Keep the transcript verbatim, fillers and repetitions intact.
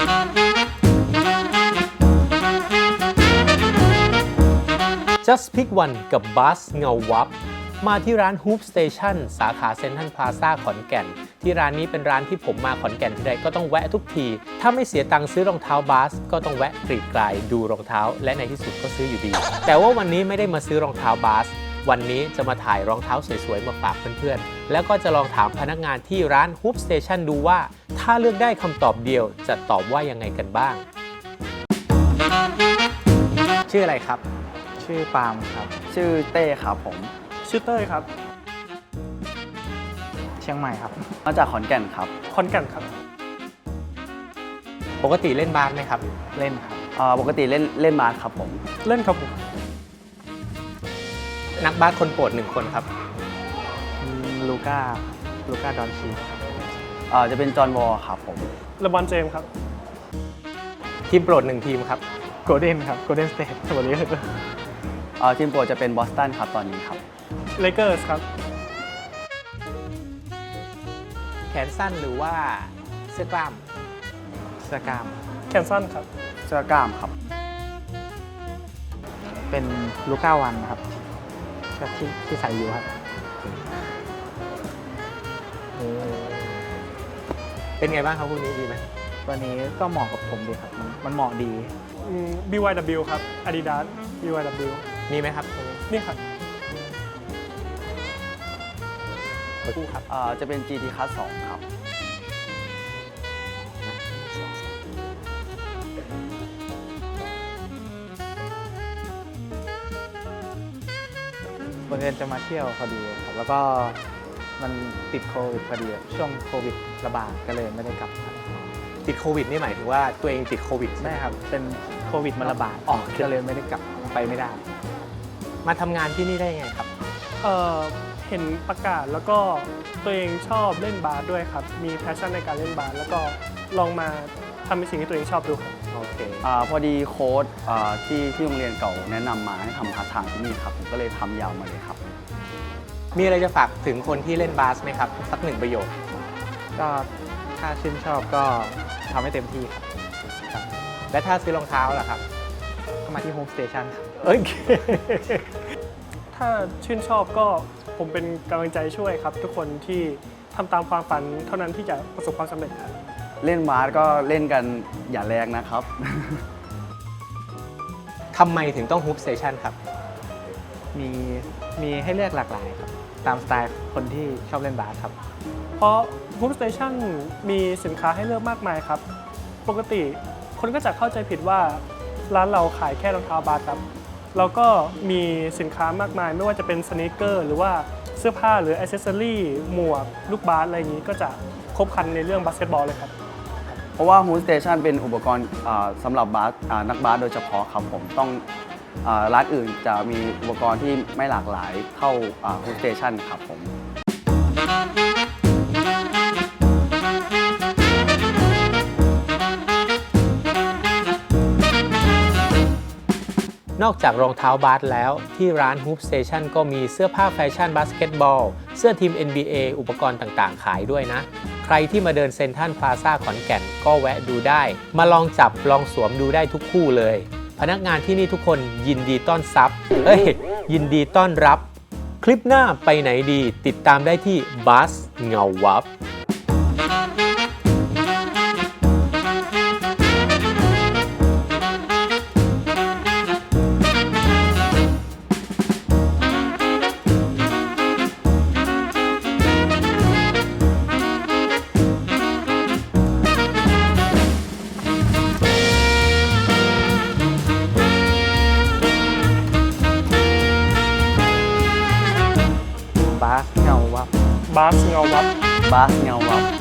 Just Pick One กับบัสเงาวับมาที่ร้าน Hoop Station สาขาเซ็นทรัลพลาซ่าขอนแก่นที่ร้านนี้เป็นร้านที่ผมมาขอนแก่นทีใดก็ต้องแวะทุกทีถ้าไม่เสียตังค์ซื้อรองเท้าบาสก็ต้องแวะกรีดกลายดูรองเท้าและในที่สุดก็ซื้ออยู่ดีแต่ว่าวันนี้ไม่ได้มาซื้อรองเท้าบาสวันนี้จะมาถ่ายรองเท้าสวยๆมาฝากเพื่อนๆแล้วก็จะลองถามพนักงานที่ร้าน Hoop Station ดูว่าถ้าเลือกได้คำตอบเดียวจะตอบว่ายังไงกันบ้างชื่ออะไรครับชื่อปาล์มครับชื่อเต้ครับผมชื่อเต้ยครับเชียงใหม่ครับมาจากขอนแก่นครับขอนแก่นครับปกติเล่นบาสไหมครับเล่นครับปกติเล่นเล่นบาสครับผมเล่นครับผมนักบาสคนโปรดหนึ่งคนครับลูก้าลูก้าดอนชีครับจะเป็นจอห์นวอลครับผมเลบรอนเจมส์ครับทีมโปรดหนึ่งทีมครับโกลเด้นครับโกลเด้นสเตทสวัสดีครับทีมโปรดจะเป็นบอสตันครับตอนนี้ครับเลเกอร์สครับแขนสั้นหรือว่าเสื้อกล้ามเสื้อกล้ามแขนสั้นครับเสื้อกล้ามครับเป็นลูก้าวันครับที่ที่ใส่อยู่ครับเป็นไงบ้างครับพวกนี้ดีไหมตัวนี้ก็เหมาะกับผมดีครับมันเหมาะดีบี วาย ดับเบิลยู ครับ Adidas บี วาย ดับเบิลยูมีไหมครับตรงนี้นี่ครับคู่ครับจะเป็น จี ที Cut สองครับบังเอิญจะมาเที่ยวพอดีครับแล้วก็มันติดโควิดพอดีช่วงโควิดระบาดก็เลยไม่ได้กลับติดโควิดนี่หมายถึงว่าตัวเองติดโควิดใช่ครับเป็นโควิดมันระบาดออกก็เลยไม่ได้กลับไปไม่ได้มาทำงานที่นี่ได้ไงครับเอ่อเห็นประกาศแล้วก็ตัวเองชอบเล่นบาสด้วยครับมีแพชชั่นในการเล่นบาสแล้วก็ลองมาทำในสิ่งที่ตัวเองชอบดูครับโอเคอ่าพอดีโค้ชที่ที่โรงเรียนเก่าแนะนำมาให้ทำพาร์ทไทม์ที่นี่ครับผมก็เลยทำยาวมาเลยครับมีอะไรจะฝากถึงคนที่เล่นบาสไหมครับสักหนึ่งประโยคก็ถ้าชื่นชอบก็ทำให้เต็มที่ครับและถ้าซื้อรองเท้าล่ะครับเข้ามาที่ Home Station ครับโอเคถ้าชื่นชอบก็ผมเป็นกำลังใจช่วยครับทุกคนที่ทำตามความฝันเท่านั้นที่จะประสบความสำเร็จครับเล่นบาสก็เล่นกันอย่าแรงนะครับทำไมถึงต้อง Hoop Station ครับมีมีให้เลือกหลากหลายครับตามสไตล์คนที่ชอบเล่นบาสครับเพราะ Hoop Station มีสินค้าให้เลือกมากมายครับปกติคนก็จะเข้าใจผิดว่าร้านเราขายแค่รองเท้าบาสครับเราก็มีสินค้ามากมายไม่ว่าจะเป็นสนีกเกอร์หรือว่าเสื้อผ้าหรืออิเซอรี่หมวกลูกบาสอะไรอย่างนี้ก็จะครบครันในเรื่องบาสเกตบอลเลยครับเพราะว่า Hoop Station เป็นอุปกรณ์สำหรับบาสนักบาสโดยเฉพาะครับผมต้องร้านอื่นจะมีอุปกรณ์ที่ไม่หลากหลายเท่า Hoop Station ครับผมนอกจากรองเท้าบาสแล้วที่ร้าน Hoop Station ก็มีเสื้อผ้าแฟชั่นบาสเกตบอลเสื้อทีม เอ็น บี เอ อุปกรณ์ต่างๆขายด้วยนะใครที่มาเดินเซ็นทรัลพลาซ่าขอนแก่นก็แวะดูได้มาลองจับลองสวมดูได้ทุกคู่เลยพนักงานที่นี่ทุกคนยินดีต้อนรับเอ้ยยินดีต้อนรับคลิปหน้าไปไหนดีติดตามได้ที่บัสเงาวับบาสเงาวับบาสเงาวับบาสเงาวับ